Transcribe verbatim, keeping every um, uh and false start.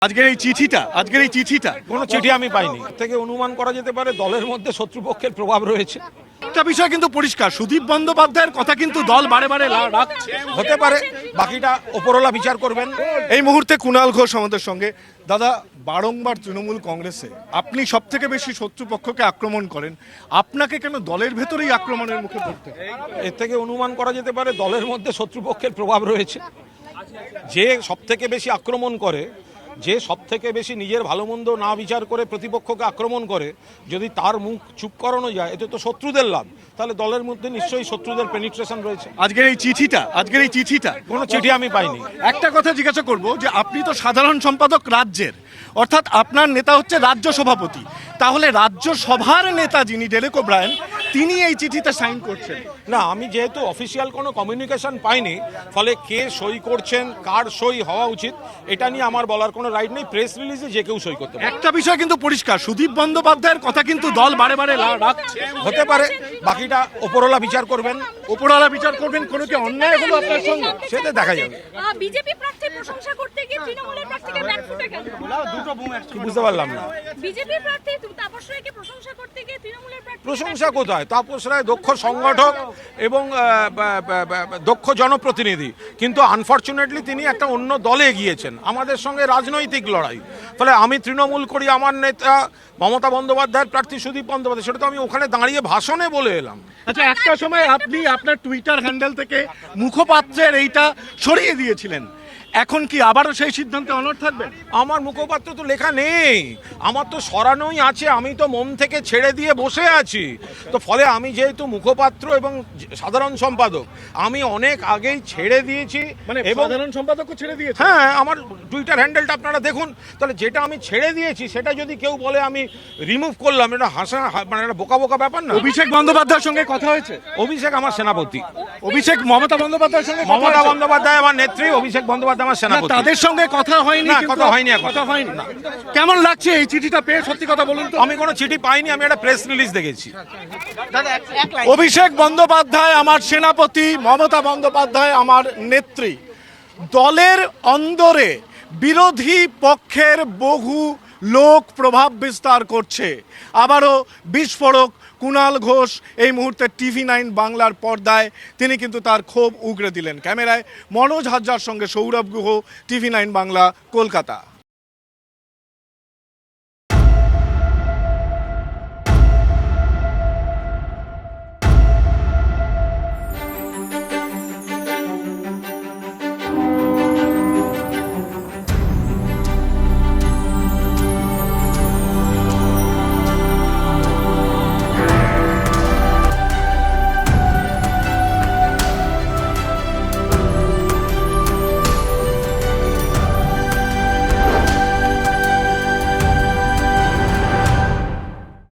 আজকের এই চিঠিটা আজকের এই চিঠিটা কোনো চিঠি আমি পাইনি। থেকে অনুমান করা যেতে পারে দলের মধ্যে শত্রুপক্ষের প্রভাব রয়েছে। একটা বিষয় কিন্তু পরিষ্কার, সুদীপ বন্দ্যোপাধ্যায়ের কথা কিন্তু দল বারে বারে লা- রাখছে। হতে পারে, বাকিটা ওপরওয়ালা বিচার করবেন। এই মুহূর্তে কুণাল ঘোষ আমাদের সঙ্গে। দাদা, বারংবার তৃণমূল কংগ্রেসে আপনি সব থেকে বেশি শত্রুপক্ষকে আক্রমণ করেন, আপনাকে কেন দলের ভেতরেই আক্রমণের মুখে পড়তে হয়? এর থেকে অনুমান করা যেতে পারে দলের মধ্যে শত্রুপক্ষের প্রভাব রয়েছে। যে সব থেকে বেশি আক্রমণ করে, যে সব থেকে বেশি নিজের ভালো মন্দ না বিচার করে প্রতিপক্ষকে আক্রমণ করে, যদি তার মুখ চুপ করানো যায়, এতে তো শত্রুদের লাভ। তাহলে দলের মধ্যে নিশ্চয়ই শত্রুদের পেনিট্রেশন রয়েছে। আজকের এই চিঠিটা আজকের এই চিঠিটা কোনো চিঠি আমি পাইনি। একটা কথা জিজ্ঞাসা করব যে আপনি তো সাধারণ সম্পাদক রাজ্যের, অর্থাৎ আপনার নেতা হচ্ছে রাজ্য সভাপতি, তাহলে রাজ্য সভার নেতা যিনি ডেরেক ওব্রায়েন, তিনি এই চিঠিতে সাইন করছেন না, আমি যেহেতু অফিসিয়াল কোনো কমিউনিকেশন পাইনি, ফলে কে সই করছেন, কার সই হওয়া উচিত, এটা নিয়ে আমার বলার কোনো রাইট নেই। প্রেস রিলিজে যে কেউ সই করতে পারে। একটা বিষয় কিন্তু পরিষ্কার, সুদীপ বন্দ্যোপাধ্যায়ের কথা কিন্তু দল বারে বারে লা- রাখছে। হতে পারে, বাকিটা ওপরওয়ালা বিচার করবেন। ওপরওয়ালা বিচার করবেন। কোনো কি অন্যায় হলো আপনার সঙ্গে? সেটা দেখা যাবে। বিজেপি প্রার্থীর প্রশংসা করতে গিয়ে তৃণমূলের প্রার্থীকে ব্যাকফুটে গেল। বুঝতে পারলাম না। বিজেপি প্রার্থী তাপস রায়কে প্রশংসা করতে গিয়ে তৃণমূলের প্রার্থী প্রশংসা কোথায়? তাপস রায় দক্ষ সংগঠক এবং আহ, বা- বা- বা- দক্ষ জনপ্রতিনিধি, কিন্তু আনফর্চুনেটলি তিনি একটা অন্য দলে গিয়েছেন। আমাদের সঙ্গে রাজনৈতিক লড়াই, ফলে আমি তৃণমূল করি, আমার নেতা মমতা বন্দ্যোপাধ্যায়ের প্রার্থী সুদীপ বন্দ্যোপাধ্যায়, সেটা তো আমি ওখানে দাঁড়িয়ে ভাষণে বলে এলাম। আচ্ছা, একটা সময় আপনি আপনার টুইটার হ্যান্ডেল থেকে মুখপাত্রের এইটা সরিয়ে দিয়েছিলেন, এখন কি আবারও সেই সিদ্ধান্তে অনড় থাকবেন? আমার মুখপাত্র তো লেখা নেই, আমার তো সরানোই আছে। আমি তো মন থেকে ছেড়ে দিয়ে বসে আছি। তো ফলে আমি যেহেতু মুখপাত্র এবং সাধারণ সম্পাদক, আমি অনেক আগেই ছেড়ে দিয়েছি। মানে এবং সাধারণ সম্পাদকও ছেড়ে দিয়েছে? হ্যাঁ, আমার টুইটার হ্যান্ডেলটা আপনারা দেখুন। তাহলে যেটা আমি ছেড়ে দিয়েছি সেটা যদি কেউ বলে আমি রিমুভ করলাম, এটা হাসা, মানে একটা বোকা বোকা ব্যাপার না? অভিষেক বন্দ্যোপাধ্যায়ের সঙ্গে কথা হয়েছে? অভিষেক আমার সেনাপতি। অভিষেক মমতা বন্দ্যোপাধ্যায়ের সঙ্গে কথা মমতা হয়েছে? বন্দ্যোপাধ্যায় আমার নেত্রী, অভিষেক বন্দ্যোপাধ্যায় আমার না, সেনাপতি। তাদের সঙ্গে কথা হয়নি। না, কিন্তু- কথা হয়নি এখন। কথা হয়নি না। কেমন লাগছে এই চিঠিটা পেয়ে, সত্যি কথা বলুন তো? আমি কোনো চিঠি পাইনি, আমি একটা প্রেস রিলিজ দেখেছি। অভিষেক বন্দ্যোপাধ্যায় আমার সেনাপতি, মমতা বন্দ্যোপাধ্যায় আমার নেত্রী। দলের অন্দরে বিরোধী পক্ষের বহু লোক প্রভাব বিস্তার করছে। আবারও বিস্ফোরক কুণাল ঘোষ এই মুহূর্তে টিভি নাইন বাংলার পর্দায় তিনি কিন্তু তার ক্ষোভ উগরে দিলেন। ক্যামেরায় মনোজ হাজরার সঙ্গে সৌরভ গুহ, টিভি নাইন বাংলা, কলকাতা।